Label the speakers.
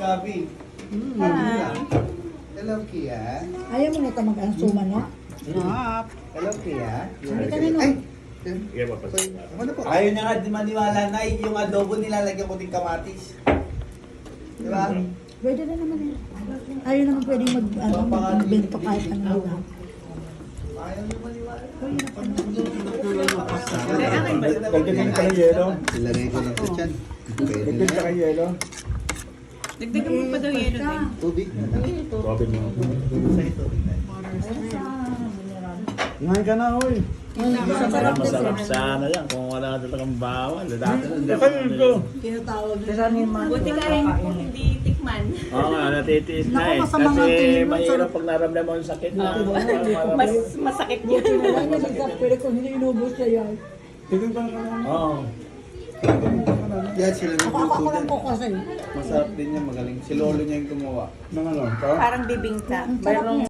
Speaker 1: Gabi.
Speaker 2: Hi.
Speaker 1: Hello, Kia.
Speaker 3: Ayaw mo nito mag-ansuma, no?
Speaker 2: Sarap.
Speaker 1: Hello, Kia.
Speaker 3: Hindi ka nino.
Speaker 1: Ay!
Speaker 4: Sige, papasin.
Speaker 1: Ano po? Ayaw niya nga di maniwala na yung adobo nilalagyan ko din kamatis. Di ba?
Speaker 3: Pwede na naman yun. Ayaw naman pwede magbento kahit ano na.
Speaker 1: Ayaw niya maniwala.
Speaker 4: Dagdagan ka ng yelo.
Speaker 1: Ilagay ko lang sa tiyan. Pwede
Speaker 4: Dagdagan ka ng yelo.
Speaker 2: Dagdagan mo pa daw yelo din.
Speaker 1: Tubig na lang.
Speaker 4: Robin mo.
Speaker 1: Sa tubig na.
Speaker 4: Ngayon ka na, hoy.
Speaker 3: Masarap din
Speaker 4: Masarap
Speaker 3: siya.
Speaker 4: sana yan kung wala talagang bawal. Dati
Speaker 3: Tinatawag din.
Speaker 2: Buti kaya mo hindi tikman.
Speaker 4: Oo nga, natitiis na
Speaker 3: Naku,
Speaker 4: eh.
Speaker 3: masama nga
Speaker 4: Kasi
Speaker 3: tingin mo,
Speaker 4: mahirap
Speaker 3: sarap.
Speaker 4: pag naramdaman mo yung sakit.
Speaker 2: Mas masakit yun.
Speaker 3: Wala niya nagkapere kung hindi inubos siya yan.
Speaker 4: Oo.
Speaker 1: Yan sila
Speaker 3: Ako lang po kasi.
Speaker 1: Masarap din yan, magaling. Si Lolo niya yung gumawa.
Speaker 4: Nang ano?
Speaker 2: Parang bibingka.
Speaker 3: Sarap niya.